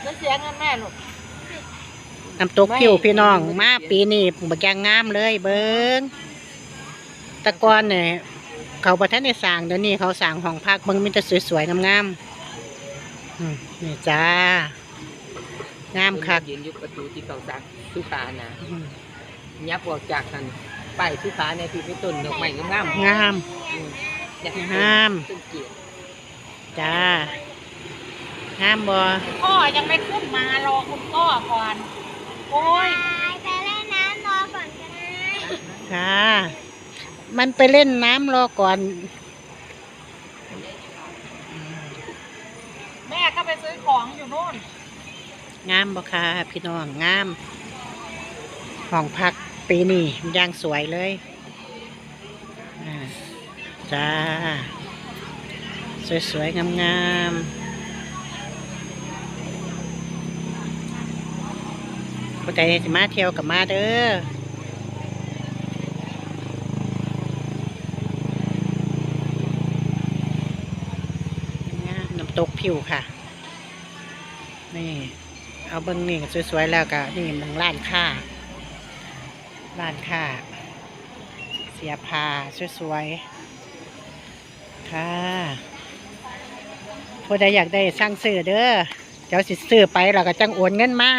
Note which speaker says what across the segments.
Speaker 1: เสียเงินแม่ลูก
Speaker 2: น้ำตกผิวพี่น้องมาปีนี้บักยางงามเลยเบิ้งตะกอนเนี่ยเขาประทันในสร้างเดี๋ยวนี้เขาสร้างห้องพักเบิ้งมีแต่สวยๆงามๆนี่จ้างามคัก
Speaker 3: ยืนอยู่ประตูที่เขาซักสุขานะยับออกจากกันไปสุขาในที่เป็นต้นดอกไม้งาม
Speaker 2: งามงามจ้างามบ่
Speaker 1: พ่อยังไม่ขึ้นมารอคุณพ่อก่อนโอ้ย
Speaker 4: ไปเล่นน้ำรอก่อนก็ได้
Speaker 2: ค่ะมันไปเล่นน้ำรอก่อน
Speaker 1: แม่ก็ไปซื้อของอยู่โน่น
Speaker 2: งามบ่ค่ะพี่น้องงามห้องพักปีนี้ย่างสวยเลยจ้าสวยๆงามๆผู้ใดจะมาเที่ยวกับมาเด้อน้ำตกผิวค่ะนี่เอาเบิ้งนี่สวยๆแล้วก็นี่มองร้านค้าเสียผ้าสวยๆค่ะผู้ใดอยากได้สั่งซื้อเด้อเจ้าสิซื้อไปแล้วก็จังโอนเงินมา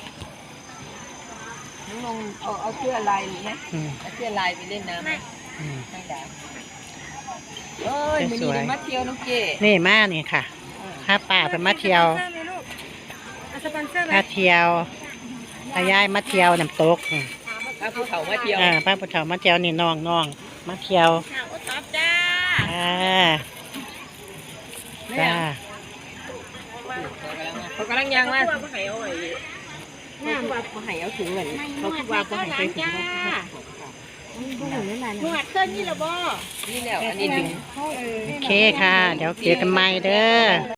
Speaker 3: น้องเอาเสื้อลายนี่นะเอาเสื้อลายไปเล่นน้ำไม่ได้เอ้ยมันนี่มาเที่ยวน้องเก๋
Speaker 2: นี่มานี่ค่ะถ้าป่าไปมาเที่ยวถ้าเที่ยวถ้าย้ายมาเที่ยวน้ำตก
Speaker 3: พระภูเขามาเที่ยว
Speaker 2: พระภูเขามาเที่ยวนี่น้องมาเที่ยว
Speaker 1: จ้า
Speaker 2: จ้า
Speaker 3: เขากำลังย่างว่าเขาหายเอาไว้เขาหายเอาถึงเหมือนเขาคิดว่าเขาหายไปถึง
Speaker 1: หนวดเส้นนี่หรอบ่
Speaker 3: นี่แล้วอันนี้ดึง
Speaker 2: โอเคค่ะเดี๋ยวเจอกันใหม่เด้อ